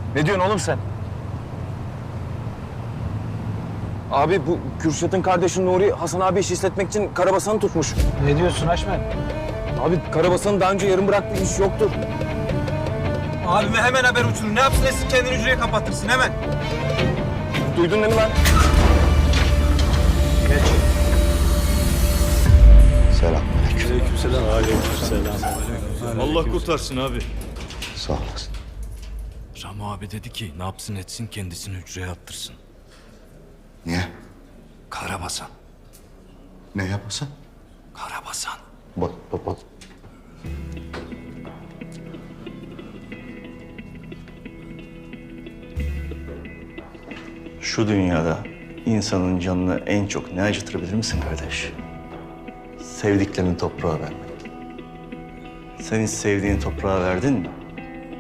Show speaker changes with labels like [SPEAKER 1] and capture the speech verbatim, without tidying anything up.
[SPEAKER 1] Ne diyorsun oğlum sen? Abi bu Kürşat'ın kardeşi Nuri Hasan abi iş işletmek için Karabasan'ı tutmuş.
[SPEAKER 2] Ne diyorsun Haşmet?
[SPEAKER 1] Abi Karabasan'ın daha önce yarım bıraktığı iş yoktur.
[SPEAKER 3] Abime hemen haber uçurun. Ne yapsın etsin kendini hücreye kapattırsın hemen.
[SPEAKER 1] Duydun değil mi lan?
[SPEAKER 2] Geç.
[SPEAKER 4] Selamünaleyküm.
[SPEAKER 5] Aleykümselam. Aleykümselam. Allah kurtarsın abi.
[SPEAKER 4] Sağ olasın.
[SPEAKER 6] Ramo abi dedi ki ne yapsın etsin kendisini hücreye attırsın.
[SPEAKER 4] Niye?
[SPEAKER 6] Karabasan.
[SPEAKER 4] Ne yapasın?
[SPEAKER 6] Karabasan.
[SPEAKER 4] Bak, bak, bak. Şu dünyada insanın canını en çok ne acıtır bilir misin kardeş? Sevdiklerini toprağa vermek. Sen hiç sevdiğin toprağa verdin mi?